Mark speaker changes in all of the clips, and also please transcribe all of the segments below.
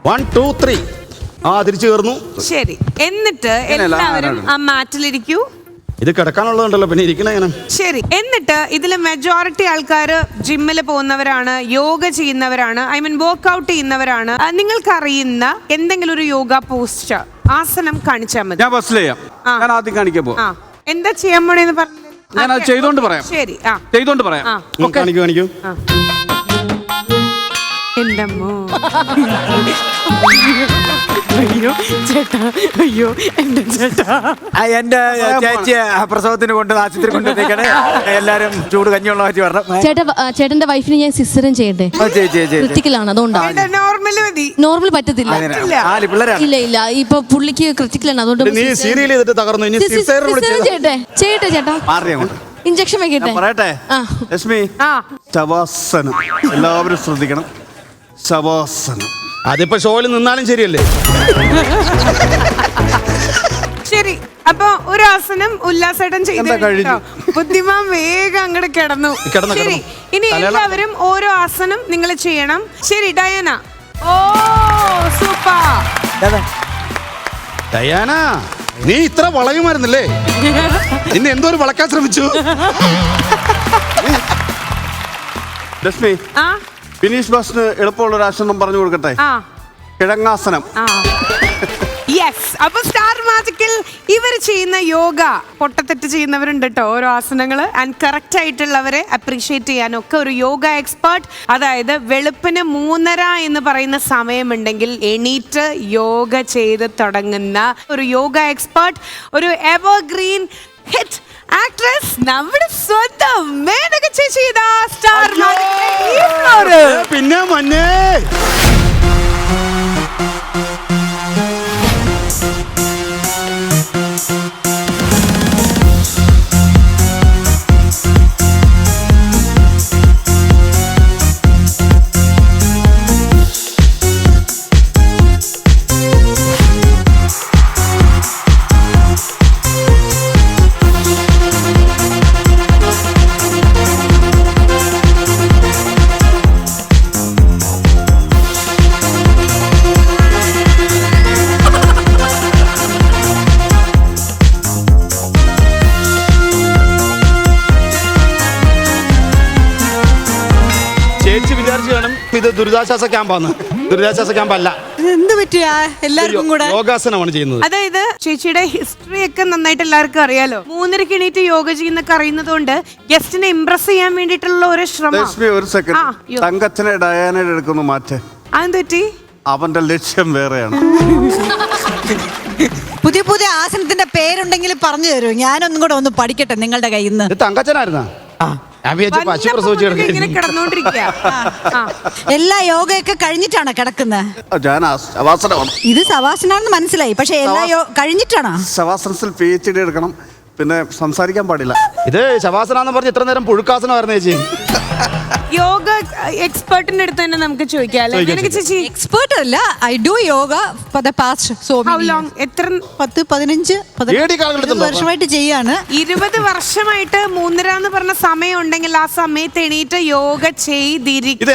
Speaker 1: 1 2 3 തിരിച്ചു കയറുന്നു.
Speaker 2: ശരി, എന്നിട്ട് എല്ലാവരും ആ മാറ്റിലിരിക്കൂ.
Speaker 1: ഇത് കിടക്കാനുള്ളതുണ്ടല്ലോ, പിന്നെ ഇരിക്കണ എങ്ങനെ?
Speaker 2: ശരി, എന്നിട്ട് ഇതിൽ മെജോറിറ്റി ആൾക്കാർ ജിമ്മിൽ പോകുന്നവരാണ്, യോഗ ചെയ്യുന്നവരാണ്, ഐ മീൻ വർക്ക്ഔട്ട് ചെയ്യുന്നവരാണ്. നിങ്ങൾക്കറിയുന്ന എന്തെങ്കിലും ഒരു യോഗ പോസ്റ്റ് ആസനം കാണിച്ചാൽ മതി.
Speaker 3: ഞാൻ ബസ്സിൽ ചെയ്യാം. ഞാൻ ആദ്യം കാണിക്കാൻ പോകും.
Speaker 2: എന്താ ചെയ്യാൻ പോണേന്ന് പറഞ്ഞു.
Speaker 3: ഞാൻ അത് ചെയ്തോണ്ട് പറയാം.
Speaker 2: ശരി,
Speaker 3: ചെയ്തോണ്ട് പറയാം.
Speaker 1: കാണിക്കൂ.
Speaker 2: എന്തമ്മോ, അയ്യോ ചേട്ടാ, അയ്യോ എന്റെ ചേട്ടാ.
Speaker 4: എന്റെ ചേച്ചി പ്രസവത്തിന് കൊണ്ട് ആശുപത്രി കൊണ്ടുവന്നേക്കണേ. എല്ലാരും ചൂട് കഞ്ഞിയുള്ള മാറ്റി പറഞ്ഞു.
Speaker 5: ചേട്ടന്റെ വൈഫിന് ഞാൻ സിസ്റ്ററും ചെയ്യട്ടെ. ക്രിറ്റിക്കലാണ്, അതുകൊണ്ടാണ്. നോർമൽ പറ്റത്തില്ല. ഇല്ല ഇല്ല, ഇപ്പൊ പുള്ളിക്ക് ക്രിറ്റിക്കലാണ്, അതുകൊണ്ട് ചെയ്യട്ടെ ചേട്ടാ. ഇഞ്ചക്ഷൻ വെക്കട്ടെ.
Speaker 3: പറയട്ടെ ലക്ഷ്മി, ശവാസനം എല്ലാവരും ശ്രദ്ധിക്കണം. ശവാസനം
Speaker 1: അതിപ്പോ ഷോയിൽ നിന്നാലും ശരിയല്ലേ?
Speaker 2: ശരി, അപ്പൊ ഒരു ആസനം ഉല്ലാസേട്ടൻ ചെയ്തു. ബുദ്ധിമാൻ വേഗം അങ്ങോട്ട് കിടന്നു. ശരി, ഇനി എല്ലാവരും ഓരോ ആസനം നിങ്ങൾ ചെയ്യണം. ശരി ഡയാന. ഓ സൂപ്പർ
Speaker 1: ഡയാന, നീ ഇത്ര വളയുമായിരുന്നല്ലേ? ഇന്ന് എന്തോ ഒരു വളക്കാൻ ശ്രമിച്ചു.
Speaker 3: ലക്ഷ്മി, ഫിനിഷ് ബസ്സിന് എളുപ്പമുള്ള ഒരു ആസനം പറഞ്ഞു കൊടുക്കട്ടെ. കിഴങ്ങാസനം.
Speaker 2: യെസ്. അപ്പൊ സ്റ്റാർ മാജിക്കിൽ ഇവർ ചെയ്യുന്ന യോഗ പൊട്ടത്തെറ്റ് ചെയ്യുന്നവരുണ്ട് കേട്ടോ, ഓരോ ആസനങ്ങള്. ആൻഡ് കറക്റ്റ് ആയിട്ടുള്ളവരെ അപ്രീഷിയേറ്റ് ചെയ്യാനൊക്കെ ഒരു യോഗ എക്സ്പേർട്ട്, അതായത് വെളുപ്പിന് 3:30 എന്ന് പറയുന്ന സമയമുണ്ടെങ്കിൽ എണീറ്റ് യോഗ ചെയ്ത് തുടങ്ങുന്ന ഒരു യോഗ എക്സ്പേർട്ട്, ഒരു എവർഗ്രീൻ ഹിറ്റ് ആക്ട്രസ്, നമ്മുടെ സ്വന്തം മേനക ചേച്ചി. സ്റ്റാർ
Speaker 1: പിന്നെ മഞ്ഞേ ഇത് ദുരിതാശ്വാസ ക്യാമ്പാണ്. ദുരിതാശ്വാസ ക്യാമ്പല്ല.
Speaker 2: എന്ത് പറ്റിയ എല്ലാവർക്കും കൂടെ
Speaker 1: യോഗാസനമാണ് ചെയ്യുന്നത്.
Speaker 2: അതായത് ചേച്ചിയുടെ ഹിസ്റ്ററി ഒക്കെ നന്നായിട്ട് എല്ലാവർക്കും അറിയാലോ. 3:30 എണീറ്റ് യോഗ ചെയ്യുന്നൊക്കെ അറിയുന്നതുകൊണ്ട് ഗസ്റ്റിനെ ഇംപ്രസ് ചെയ്യാൻ വേണ്ടിയിട്ടുള്ള ഒരു ശ്രമം.
Speaker 3: ഒരു സെക്കൻഡ്, തങ്കച്ചനെ ഡയാനയുടെ എടുക്കുന്നു മാറ്റേ.
Speaker 2: അതെന്ത് പറ്റി?
Speaker 3: അവന്റെ ലക്ഷ്യം വേറെയാണ്.
Speaker 6: പുതിയ പുതിയ ആസനത്തിന്റെ പേരുണ്ടെങ്കിൽ പറഞ്ഞു തരൂ, ഞാനൊന്നും കൂടെ ഒന്ന് പഠിക്കട്ടെ നിങ്ങളുടെ കയ്യിൽ നിന്ന്.
Speaker 1: തങ്കച്ചനായിരുന്നാ?
Speaker 6: എല്ലാ യോഗയൊക്കെ കഴിഞ്ഞിട്ടാണ് കിടക്കുന്നത്. ഇത് ശവാസനാണെന്ന് മനസ്സിലായി, പക്ഷെ എല്ലാ കഴിഞ്ഞിട്ടാണ്.
Speaker 3: ശവാസനത്തിൽ PhD എടുക്കണം, പിന്നെ സംസാരിക്കാൻ പാടില്ല.
Speaker 1: ഇത് ശവാസനാന്ന് പറഞ്ഞ് ഇത്ര നേരം പുഴുക്കാസനമായിരുന്നു ചേച്ചി.
Speaker 2: യോഗ എക്സ്പേർട്ടിന്റെ അടുത്ത് തന്നെ നമുക്ക് ചോദിക്കാം. ചേച്ചി
Speaker 6: എക്സ്പേർട്ട് അല്ല, I do yoga for the past so
Speaker 2: long. എത്ര?
Speaker 6: 10-15 വർഷമായിട്ട് ചെയ്യാണ്.
Speaker 2: 20 വർഷമായിട്ട് 3:30 എന്ന് പറഞ്ഞ സമയം ഉണ്ടെങ്കിൽ ആ സമയത്ത് എണീറ്റ് യോഗ ചെയ്തിരിക്കും.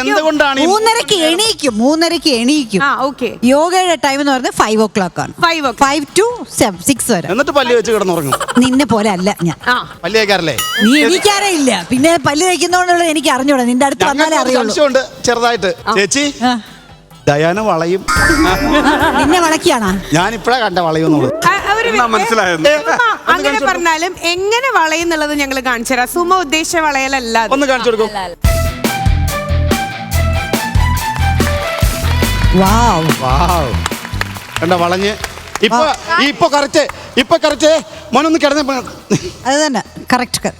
Speaker 6: 3:30 എണീക്കും. യോഗയുടെ ടൈം എന്ന് പറഞ്ഞാൽ 5 o'clock ആണ്. 5 to 6 വരെ.
Speaker 1: എന്നിട്ട് പല്ല് വെച്ച് കിടന്നുറങ്ങും.
Speaker 6: നിന്നെ പോലെ അല്ല ഞാൻ.
Speaker 1: പല്ല് തേക്കാറില്ലേ?
Speaker 6: നീ എനിക്കാരേ ഇല്ല, പിന്നെ പല്ല് തേക്കുന്നോണ്ടുള്ള എനിക്ക് അറിഞ്ഞൂടാ. നിന്റെ അടുത്ത് വന്നാലേ അറിയുള്ളൂ.
Speaker 1: ചെറുതായിട്ട് ചേച്ചി, ഡയാന വളയും.
Speaker 6: നിന്നെ വളക്കിയാണോ?
Speaker 1: ഞാനിപ്പഴാ കണ്ട വളയുന്നുള്ളത്.
Speaker 2: അങ്ങനെ പറഞ്ഞാലും എങ്ങനെ വളയുന്നുള്ളത് ഞങ്ങൾ കാണിച്ചു തരാം. സുമ ഉദ്ദേശിച്ച വളയലല്ല.
Speaker 1: ഒന്ന് കാണിച്ചു കൊടുക്കും. കണ്ട വളഞ്ഞ് ഇപ്പൊ കറക്റ്റ് മോനൊന്ന് കിടന്ന.
Speaker 6: അത് തന്നെ കറക്റ്റ്.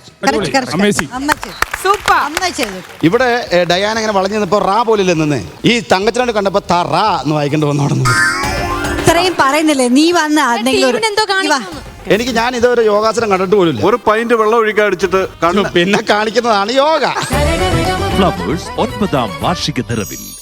Speaker 1: ഇവിടെ ഡയാന ഇങ്ങനെ വളഞ്ഞു നിന്നപ്പോ റാ പോലില്ല നിന്ന്. ഈ തങ്കച്ചനോട് കണ്ടപ്പോ തറാ എന്ന് വായിക്കേണ്ടി വന്നോടുന്നു.
Speaker 6: ഇത്രയും പറയുന്നില്ലേ നീ വന്ന
Speaker 1: എനിക്ക് ഞാൻ ഇതൊരു യോഗാസനം കണ്ടിട്ട് പോലും.
Speaker 3: ഒരു പൈന്റ് വെള്ളം ഒഴിക്കാൻ അടിച്ചിട്ട്
Speaker 1: പിന്നെ കാണിക്കുന്നതാണ് യോഗ.
Speaker 7: ഫ്ലവേഴ്സ് 9ാം വാർഷിക നിറവിൽ